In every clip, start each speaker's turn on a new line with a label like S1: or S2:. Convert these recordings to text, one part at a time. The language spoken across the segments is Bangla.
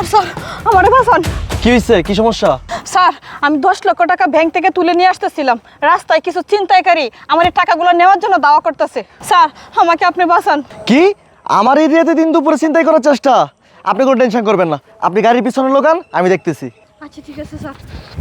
S1: স্যার স্যার আমারে বাঁচান।
S2: কি হয়েছে? কি সমস্যা?
S1: স্যার আমি 10 লক্ষ টাকা ব্যাংক থেকে তুলে নিয়ে আসতেছিলাম, রাস্তায় কিছু ছিনতাইকারী আমার এই টাকাগুলো নেওয়ার জন্য দাওয়া করতেছে। স্যার আমাকে আপনি বাঁচান।
S2: কি আমার এরিয়াতে দিন দুপুরে চিন্তাই করার চেষ্টা? আপনি কোনো টেনশন করবেন না, আপনি গাড়ির পিছনে লোকান, আমি দেখতেছি।
S1: আচ্ছা ঠিক আছে স্যার।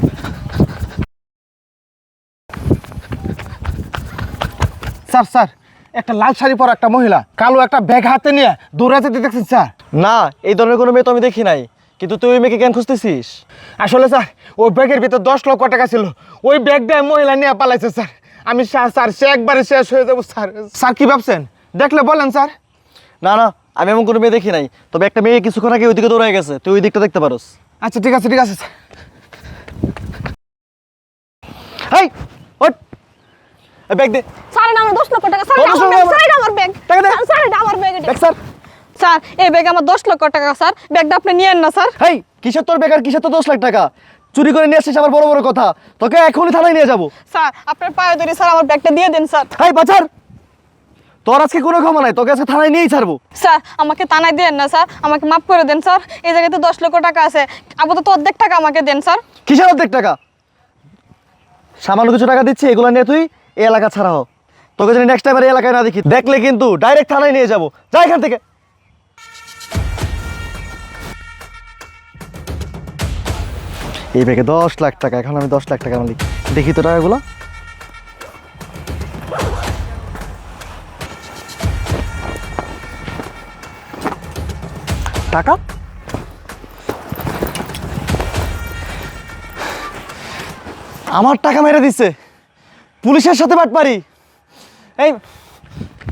S3: স্যার স্যার একটা লাল শাড়ি পরা একটা মহিলা কালো একটা ব্যাগ হাতে নিয়ে দৌড়াতে দেখছেন স্যার?
S2: না, এই ধরনের কোনো মেয়ে তো আমি দেখি নাই, কিন্তু তুই ওই মেয়েকে কেন খুঁজতেছিস?
S3: আসলে স্যার ওই ব্যাগের ভিতর 10 লক্ষ টাকা ছিল, ওই ব্যাগটা মহিলা নিয়ে পালাইছে স্যার। আমি স্যার সে একবারে শেষ হয়ে যাবো স্যার। স্যার কি ভাবছেন? দেখলে বলেন স্যার।
S2: না না, আমি এমন কোনো মেয়ে দেখি নাই, তবে একটা মেয়ে কিছুক্ষণ আগে ওইদিকে দৌড়ে গেছে, তুই ওই দিকটা দেখতে পারোস।
S3: আচ্ছা ঠিক আছে ঠিক আছে স্যার।
S2: হেই ওঠ, এই ব্যাগ দে।
S1: স্যার এটা আমার 10 লক্ষ টাকা। স্যার
S2: কত
S1: এটা আমার
S2: সময়
S1: ব্যাগ। স্যার এটা আমার ব্যাগ।
S2: টাকা দে।
S1: স্যার এটা আমার ব্যাগ।
S2: দেখ স্যার।
S1: স্যার এই ব্যাগ আমার 10 লক্ষ টাকা স্যার, ব্যাগটা আপনি নিয়েন না স্যার।
S2: হেই, কিসের তোর বেকার, কিসের তোর 10 লাখ টাকা? চুরি করে নিয়ে আসছিস আবার বড় বড় কথা, তোকে এখনই থানায় নিয়ে যাবো।
S1: স্যার আপনার পায়ে ধরে স্যার আমার ব্যাগটা দিয়ে দেন স্যার।
S2: হেই বাচার, তোর আজকে কোনো ক্ষমা নাই, তোকে আজকে থানায় নিয়েই ছাড়বো।
S1: স্যার আমাকে থানায় দেন না স্যার, আমাকে মাফ করে দেন স্যার। এই জায়গাতে 10 লক্ষ টাকা আছে, আপাতত অর্ধেক টাকা আমাকে দেন স্যার।
S2: কিসের অর্ধেক টাকা? সামান্য কিছু টাকা দিচ্ছি, এগুলো নিয়ে তুই এই এলাকা ছাড়া হ। তোকে যদি নেক্সট টাইম আর এই এলাকায় না দেখি, দেখলে কিন্তু ডাইরেক্ট থানায় নিয়ে যাবো। যা এখান থেকে। এই ব্যাগে 10 লাখ টাকা, এখন আমি 10 লাখ টাকা মালিক। দেখি তো টাকাগুলো। টাকা আমার টাকা মেরে দিচ্ছে, পুলিশের সাথে বাটপারি। এই